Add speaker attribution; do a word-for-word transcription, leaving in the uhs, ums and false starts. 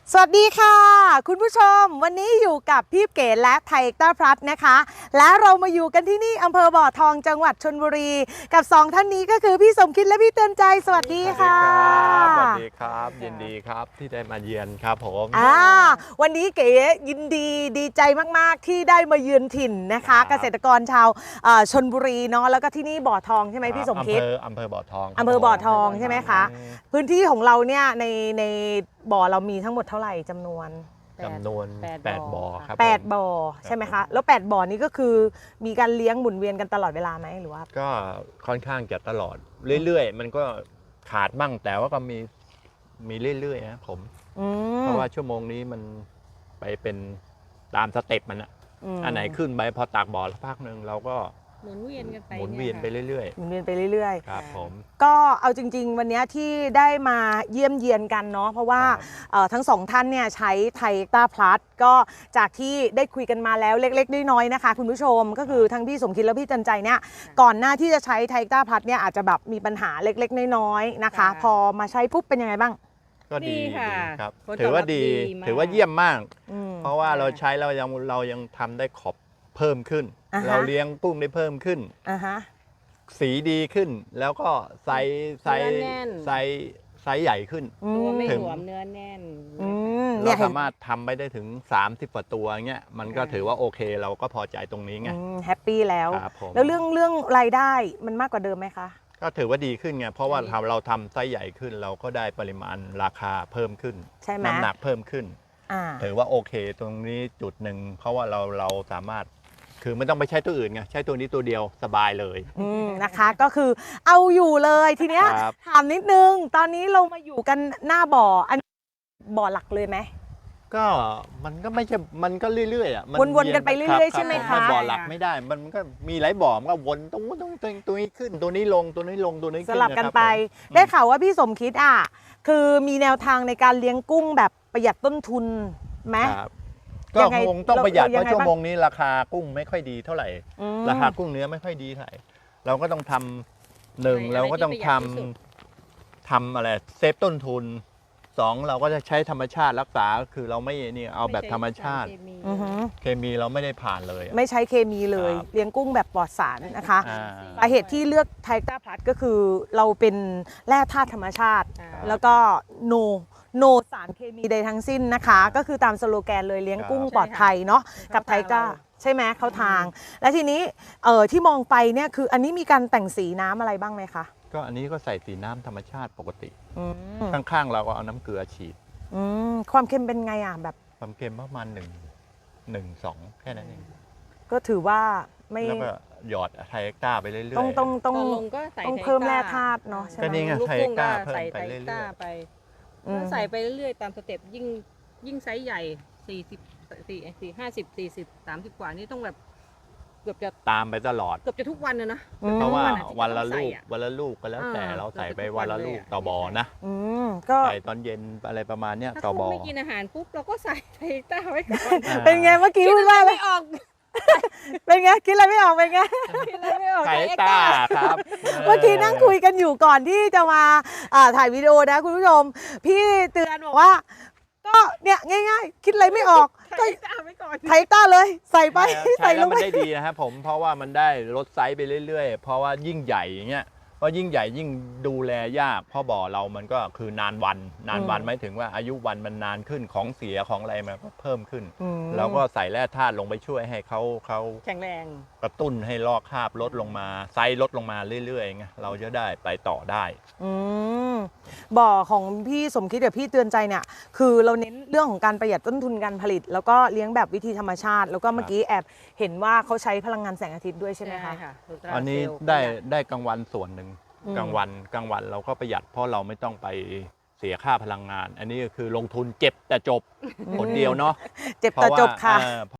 Speaker 1: สวัสดีค่ะคุณผู้ชมวันนี้อยู่กับพี่เก๋และไทยต้าพลัสนะคะและเรามาอยู่กันที่นี่อำเภอบ่อทองจังหวัดชลบุรีกับสองท่านนี้ก็คือพี่สมคิดและพี่เตือนใจสวัสดีค่ะ
Speaker 2: สวัสดีครับยินดีครับที่ได้มาเยือนครับผม
Speaker 1: อ่าวันนี้เก๋ยินดีดีใจมากๆที่ได้มาเยือนถิ่นนะคะเกษตรกรชาวชลบุรีเนาะแล้วก็ที่นี่บ่อทองใช่ไหมพี่สมคิด
Speaker 2: อำเภออำเภอบ่อทอง
Speaker 1: อำเภอบ่อทองใช่ไหมคะพื้นที่ของเราเนี่ยในในบ่อเรามีทั้งหมดเท่าไหร่จำนวน
Speaker 2: จำนวนแปดบ่อครับ
Speaker 1: แปดบ่อใช่ไหมคะแล้วแปดบ่อนี้ก็คือมีการเลี้ยงหมุนเวียนกันตลอดเวลาไหมหรือว่า
Speaker 2: ก็ค่อนข้างจะตลอดเรื่อยๆมันก็ขาดบ้างแต่ว่าก็มีมีเรื่อยๆนะผมเพราะว่าชั่วโมงนี้มันไปเป็นตามสเต็ปมันอะอันไหนขึ้นไปพอตากบ่อสักพักหนึ่งเราก็
Speaker 3: หมุนเวียนกันไป
Speaker 2: หมุนเวียนไปเรื่อย
Speaker 1: ๆหมุนเวียนไปเรื่อย
Speaker 2: ๆครับผม
Speaker 1: ก็เอาจริงๆวันนี้ที่ได้มาเยี่ยมเยียนกันเนาะเพราะว่าทั้งสองท่านเนี่ยใช้ไทยต้าพลัสก็จากที่ได้คุยกันมาแล้วเล็กๆน้อยๆนะคะคุณผู้ชมก็คือทั้งพี่สมคิดและพี่จันใจเนี่ยก่อนหน้าที่จะใช้ไทยต้าพลัสเนี่ยอาจจะแบบมีปัญหาเล็กๆน้อยๆนะคะพอมาใช้ปุ๊บเป็นยังไงบ้าง
Speaker 2: ก็ดีครับถือว่าดีถือว่าเยี่ยมมากเพราะว่าเราใช้เรายังเรายังทำได้ขอบเพิ่มขึ้นเราเลี้ยงกุ้งได้เพิ่มขึ้นสีดีขึ้นแล้วก็ไซส์ไซส์ไซส์ไซส์ใหญ่ขึ้น
Speaker 3: ตัวไม่หลวมเนื้อแน่น
Speaker 2: เราสามารถทำไปได้ถึงสามสิบกว่าตัวเงี้ยมันก็ถือว่าโอเคเราก็พอใจตรงนี้ไง
Speaker 1: แฮปปี้แล้วแล้วเรื่องเรื่องรายได้มันมากกว่าเดิมไหมคะ
Speaker 2: ก็ถือว่าดีขึ้นไงเพราะว่าทำเราทำไซส์ใหญ่ขึ้นเราก็ได้ปริมาณราคาเพิ่มขึ้นน้ำหนักเพิ่มขึ้นถือว่าโอเคตรงนี้จุดหนึ่งเพราะว่าเราเราสามารถคือไม่ต้องไปใช้ตัวอื่นไงใช้ตัวนี้ตัวเดียวสบายเลย
Speaker 1: นะคะก็คือเอาอยู่เลยทีเนี้ยถามนิดนึงตอนนี้เรามาอยู่กันหน้าบ่ออันบ่อหลักเลยไหม
Speaker 2: ก็มันก็ไม่ใช่มันก็เรื่อยๆอ่ะ
Speaker 1: วนๆกันไปเรื่อยๆใช่ไหมคะ
Speaker 2: บ่อหลักไม่ได้มันก็มีหลายบ่อมันก็วนตรงตรงตัวนี้ขึ้นตัวนี้ลงตัวนี้ลงตัวนี้
Speaker 1: สลับกันไปได้ข่าวว่าพี่สมคิดอ่ะคือมีแนวทางในการเลี้ยงกุ้งแบบประหยัดต้นทุนไหม
Speaker 2: ก็คงต้องประหยัดเพราะชั่วโมงนี้ราคากุ้งไม่ค่อยดีเท่าไหร่ราคากุ้งเนื้อไม่ค่อยดีเท่าไหร่เราก็ต้องทำหนึ่งเราก็ต้องทำทำอะไรเซฟต้นทุนสองเราก็จะใช้ธรรมชาติรักษาคือเราไม่นี่เอาแบบธรรมชาติเคมีเราไม่ได้ผ่านเลย
Speaker 1: ไม่ใช้เคมีเลยเลี้ยงกุ้งแบบปลอดสารนะคะสาเหตุที่เลือกไทยต้าพลัสก็คือเราเป็นแร่ธาตุธรรมชาติแล้วก็โนโนสารเคมีใดทั้งสิ้นนะคะก็คือตามสโลแกนเลยเลี้ยงกุ้งปลอดภัยเนาะกับไทก้าใช่ไหมเขาทางและทีนี้เออที่มองไปเนี่ยคืออันนี้มีการแต่งสีน้ำอะไรบ้างไหมคะ
Speaker 2: ก็อันนี้ก็ใส่สีน้ำธรรมชาติปกติข้างๆเราก็เอาน้ำเกลือฉีด
Speaker 1: ความเค็มเป็นไงอ่ะแบบ
Speaker 2: ความเค็มประมาณหนึ่งหนึ่งสองแค่นั้นเอง
Speaker 1: ก็ถือว่าไม่
Speaker 2: แล้วก็หยอดไทก้าไปเรื่อยๆ
Speaker 1: ต้องต้องต้องต้องเพิ่มแร่ธาตุเนาะ
Speaker 2: ก็นี่ไงไทก้าเพิ่มไปเรื่อยๆ
Speaker 3: ไปใส่ไปเรื่อยๆตามสเต็ปยิ่งยิ่งไซส์ใหญ่สี่สิบสี่สี่ห้าสิบสี่สิบสามสิบกว่านี่ต้องแบบเกือบจะ
Speaker 2: ตามไปตลอด
Speaker 3: เกือบจะทุกวันเลยนะ
Speaker 2: เพราะว่าวันละลูกวันละลูกก็แล้วแต่เราใส่ไปวันละลูกต่อบ่อนะก็ใส่ตอนเย็นอะไรประมาณเนี้ยต่อบ่อ
Speaker 3: ไม่กินอาหารปุ๊บเราก็ใส่ไทต้าไว้ก่อน
Speaker 1: เป็นไงเมื่อกี้พูดว่าไม่ออกเป็นไงคิดอะไรไม่ออกเป็นไง
Speaker 2: ไทต้าครับ
Speaker 1: เมื่อกี้นั่งคุยกันอยู่ก่อนที่จะมาถ่ายวิดีโอนะคุณผู้ชมพี่เตือนบอกว่าก็เนี่ยง่ายๆคิดอะไรไม่ออก
Speaker 3: ไทต้าไว้ก่อน
Speaker 1: ไทต้าเลยใส่ไป
Speaker 2: ใส่แล้วมันได้ดีนะครับผมเพราะว่ามันได้ลดไซส์ไปเรื่อยๆเพราะว่ายิ่งใหญ่อย่างเงี้ยเพราะยิ่งใหญ่ยิ่งดูแลยากเพราะบ่อเรามันก็คือนานวันนานวันหมายถึงว่าอายุวันมันนานขึ้นของเสียของอะไรมันก็เพิ่มขึ้นแล้วก็ใส่แร่ธาตุลงไปช่วยให้เขาเขา
Speaker 3: แข็งแรง
Speaker 2: กระตุ้นให้ลอกคราบลดลงมาไซส์ลดลงมาเรื่อยๆไงเราจะได้ไปต่อได้
Speaker 1: บ่อของพี่สมคิดกับพี่เตือนใจเนี่ยคือเราเน้นเรื่องของการประหยัดต้นทุนการผลิตแล้วก็เลี้ยงแบบวิธีธรรมชาติแล้วก็เมื่อกี้แอบเห็นว่าเขาใช้พลังงานแสงอาทิตย์ด้วยใช่ไหมคะ
Speaker 2: อันนี้ได้ได้กลางวันส่วนหนึ่งกลางวันกลางวันเราก็ประหยัดเพราะเราไม่ต้องไปเสียค่าพลังงานอันนี้ก็คือลงทุนเจ็บแต่จบผลเดียวเนาะ
Speaker 1: เจ็บแต่จบค่ะ